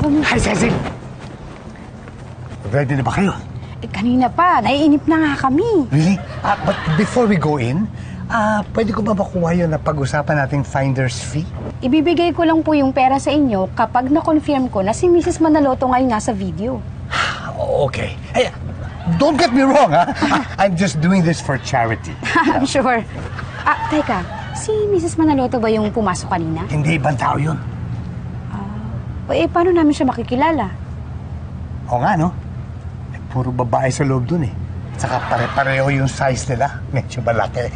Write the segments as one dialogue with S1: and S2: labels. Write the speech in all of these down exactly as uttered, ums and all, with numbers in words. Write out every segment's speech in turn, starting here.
S1: Tommy.
S2: Hi, Cecil! Ready na ba kayo?
S1: Eh, kanina pa. Naiinip na nga kami.
S2: Really? Uh, but before we go in, uh, pwede ko ba makuha yun na pag-usapan nating finder's fee?
S1: Ibibigay ko lang po yung pera sa inyo kapag na-confirm ko na si Missus Manaloto ngayon nasa video.
S2: Okay. Hey, don't get me wrong, ha? I'm just doing this for charity.
S1: I'm sure. Ah, teka. Si Missus Manaloto ba yung pumasok kanina?
S2: Hindi, ibang tao yun.
S1: Uh, eh, paano namin siya makikilala?
S2: Oo nga, no? Eh, puro babae sa loob dun, eh. Saka pare-pareho yung size nila. Medyo malaki.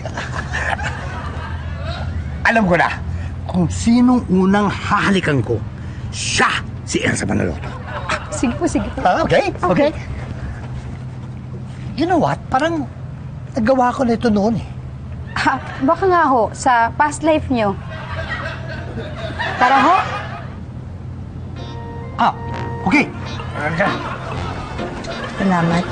S2: Alam ko na, kung sinong unang hahalikan ko, siya si Elsa Manaloto.
S1: Sige po, sige po.
S2: Ah, okay, okay. You know what? Parang nagawa ko na ito noon, eh.
S1: Ah, baka nga ho, sa past life nyo. Tara ho.
S2: Ah, okay.
S3: Salamat.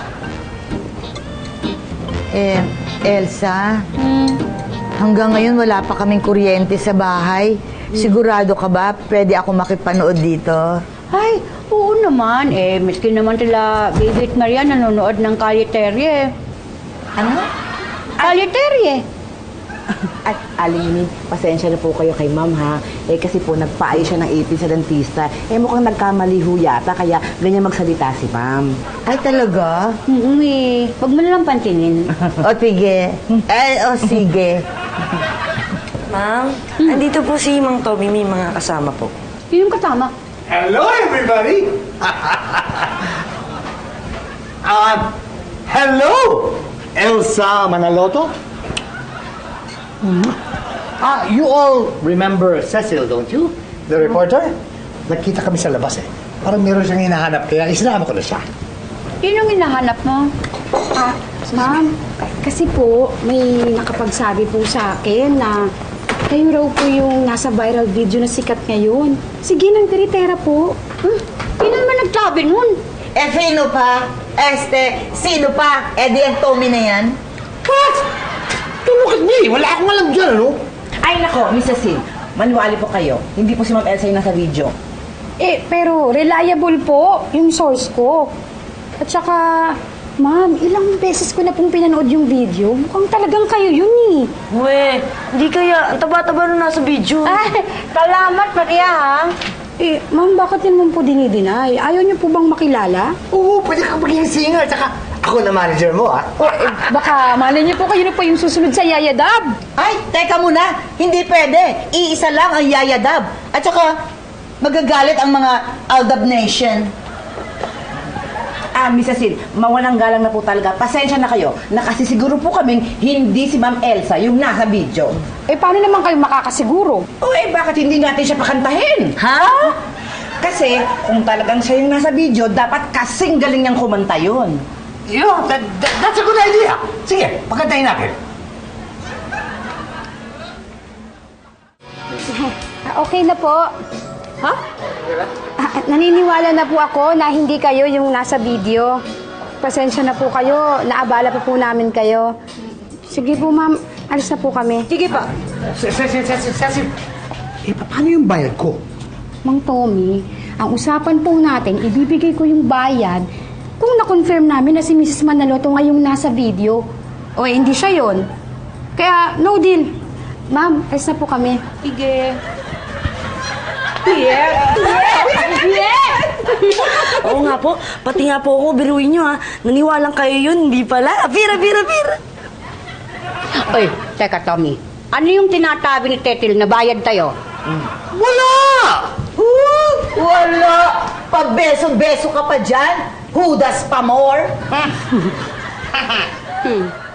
S3: Eh, Elsa,
S1: Hmm.
S3: hanggang ngayon wala pa kaming kuryente sa bahay. Sigurado ka ba pwede ako makipanood dito?
S4: Ay, oo naman. Eh, miskin naman tila Baby at Maria nanonood ng kaliterye.
S3: Ano?
S4: Kaliterye!
S5: At Aling, pasensya na po kayo kay ma'am ha. Eh kasi po nagpaayos siya ng ipin sa dentista. Eh mukhang nagkamali ho yata kaya ganyan magsalita si ma'am.
S3: Ay, talaga?
S4: Mm eh. Huwag mo nalang pantinin.
S3: O, sige. Eh, o, sige.
S6: Ma'am, andito po si Mang Tommy, may mga kasama po.
S4: Yun yung kasama.
S2: Hello, everybody! uh, hello, Elsa Manaloto? Ah, you all remember Cecil, don't you? The reporter? Nagkita kami sa labas, eh. Parang meron siyang hinahanap, kaya isinama ko na siya.
S4: Yun yung hinahanap mo.
S1: Ah, ma'am, kasi po, may nakapagsabi po sa akin na kayo raw po yung nasa viral video na sikat ngayon. Sige, nang tiritera po.
S4: Hmm? Yun naman nagsabi nun.
S3: Eh, sino pa? Este, sino pa? Eh, di ang Tommy na yan?
S2: What? Don't look at me! Wala akong alam dyan, ano?
S5: Ay nako, Missus Sin, maniwali po kayo. Hindi po si Ma'am Elsa yung nasa video.
S1: Eh, pero reliable po yung source ko. At saka, ma'am, ilang beses ko na pong pinanood yung video. Mukhang talagang kayo yun eh.
S6: We, hindi kaya. Ang taba-taba na nasa video.
S4: Ay, salamat Maria ha.
S1: Eh, ma'am, bakit yun naman po dinideny? Ayaw niyo po bang makilala?
S2: Oo, pwede kang maging singer. Tsaka, ako na manager mo, ha?
S1: O, eh, baka malay niyo po kayo na po yung susunod sa Yayadab.
S3: Ay, teka muna. Hindi pwede. Iisa lang ang Yayadab. At saka, magagalit ang mga Aldab Nation.
S5: Ah, Missus Sin, mawalang galang na po talaga. Pasensya na kayo. Nakasisiguro po kaming hindi si Ma'am Elsa yung nasa video.
S1: Eh, paano naman kayo makakasiguro?
S5: O eh, bakit hindi natin siya pakantahin?
S3: Ha?
S5: Kasi kung talagang siya yung nasa video, dapat kasing galing niyang kumanta yun.
S2: Yeah, that, that, that's a good idea. Sige, pakantahin natin.
S1: Ah, okay na po. Ha? Ah, naniniwala na po ako na hindi kayo yung nasa video. Pasensya na po kayo. Naabala pa po namin kayo. Sige po, ma'am. Alis na po kami.
S4: Sige pa.
S2: Cecil, Cecil, Cecil. Eh, paano yung bayad ko?
S1: Mang Tommy, ang usapan po natin, ibibigay ko yung bayad kung na-confirm namin na si Missus Manaloto ngayong nasa video. O eh, hindi siya yon. Kaya, no deal. Ma'am, alis na po kami.
S4: Sige. Yeah. Yeah.
S6: Oo nga po, pati nga po ako, biruin nyo ha. Naniwalang kayo yun, hindi pala. Pira, pira, pira.
S4: Oy, teka Tommy. Ano yung tinatabi ni Tetil na bayad tayo?
S2: Wala!
S3: Uh, wala! Pagbeso-beso ka pa dyan? Hudas pa more?
S4: Hmm.